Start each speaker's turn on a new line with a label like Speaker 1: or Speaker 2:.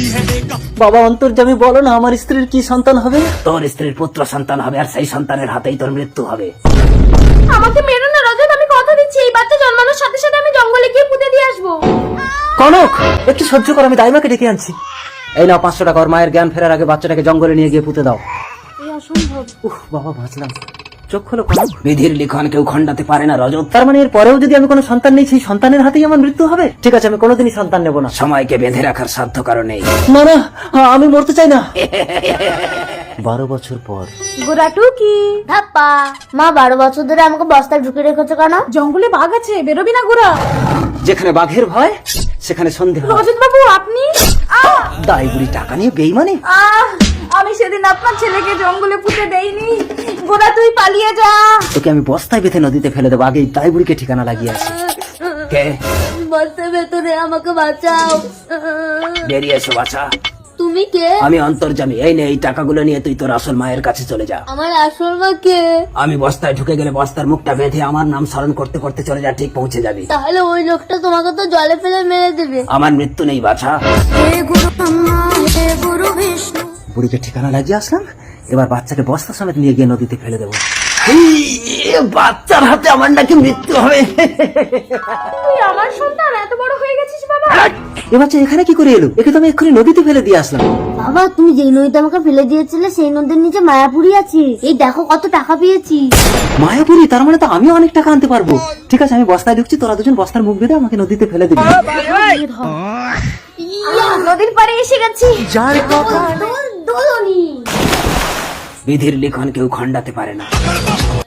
Speaker 1: বাবা অন্তর্যামী, বলো না আমার স্ত্রীর কি সন্তান হবে? তোর স্ত্রীর পুত্র সন্তান হবে, আর সেই সন্তানের হাতেই তোর মৃত্যু হবে।
Speaker 2: আমাকে মেরো না রজত, আমি কথা দিচ্ছি এই বাচ্চা জন্মানোর সাথে সাথে আমি জঙ্গলে গিয়ে পুঁতে দিয়ে আসবো।
Speaker 1: কনক, একটু সহ্য কর, আমি দাইমাকে ডেকে আনছি। এই নাও 500 টাকা, ওর মায়ের জ্ঞান ফেরার আগে বাচ্চাটাকে জঙ্গলে নিয়ে গিয়ে পুঁতে দাও।
Speaker 2: এই অসম্ভব।
Speaker 1: বাবা বাঁচলাম। চোখ খোলো কনক। বিধির লিখন কেউ খণ্ডাতে পারে না রজত। তার মানে এর পরেও যদি আমি কোনো সন্তান নেই, সেই সন্তানের হাতেই আমার মৃত্যু হবে? ঠিক আছে, আমি কোনোদিনই সন্তান নেব না। সময়কে বেঁধে রাখার সাধ্য কারো নেই। না না, আমি মরতে চাই না। 12 বছর পর।
Speaker 2: গোরাটু কি ধাপ্পা, মা 12 বছর ধরে আমাকে বস্তায় ঢুকে রেখেছো কেন? জঙ্গলে বাঘ আছে, বেরোবি না গোরা।
Speaker 1: যেখানে বাঘের ভয় সেখানে সন্ধে হয়।
Speaker 2: রজত বাবু আপনি?
Speaker 1: দাই বুড়ি টাকা নিয়ে বেইমানি।
Speaker 2: আমি সেদিন আপনার ছেলেকে জঙ্গলে পুঁতে দেইনি। গোরা তুই পালিয়ে যা।
Speaker 1: তোকে আমি বস্তায় বেঁধে নদীতে ফেলে দেবো, আগেই দাই বুড়িকে ঠিকানা লাগিয়ে আসি। কে?
Speaker 2: বস্তার ভেতরে আমাকে বাঁচাও।
Speaker 1: বেরিয়ে এসো বাছা।
Speaker 2: তুমি কে?
Speaker 1: আমি অন্তর্যামী। এই নে, এই টাকাগুলো নিয়ে তুই তোর আসল মায়ের কাছে চলে যা।
Speaker 2: আমার আসল মা কে?
Speaker 1: আমি বস্তায় ঢুকে গেলে বস্তার মুখটা বেঁধে আমার নাম স্মরণ করতে করতে চলে যা, ঠিক পৌঁছে যাবি।
Speaker 2: তাহলে ওই লোকটা তোমাকে তো জলে ফেলে মেরে দেবে।
Speaker 1: আমার মৃত্যু নেই বাছা।
Speaker 2: হে গুরু ব্রহ্মা, হে গুরু বিষ্ণু।
Speaker 1: বুড়িকে ঠিকানা লাগিয়ে আসলাম, এবার বাচ্চাকে বস্তা সমেত নিয়ে গিয়ে নদীতে ফেলে দেবো। বাচ্চার হাতে আমার নাকি মৃত্যু হবে।
Speaker 2: তুই আমার সন্তান, এত বড় হয়ে গেছিস বাবা।
Speaker 1: এ বাচ্চা এখানে কি করে এলো? একে তো আমি এক্ষুনি নদীতে ফেলে দিয়ে আসলাম।
Speaker 2: বাবা তুমি যেই নদীতে আমাকে ফেলে দিয়েছিলে সেই নদীর নিচে মায়াপুরি আছে। এই দেখো কত টাকা পেয়েছি।
Speaker 1: মায়াপুরি? তার মানে তো আমিও অনেক টাকা আনতে পারবো। ঠিক আছে, আমি বস্তায় ঢুকছি, তোরা দুজন বস্তার মুখ বেঁধে আমাকে নদীতে ফেলে দিবি।
Speaker 2: নদীর পাড়ে এসে গেছি। দোলনি।
Speaker 1: বিধির লিখন কেউ খণ্ডাতে পারে না।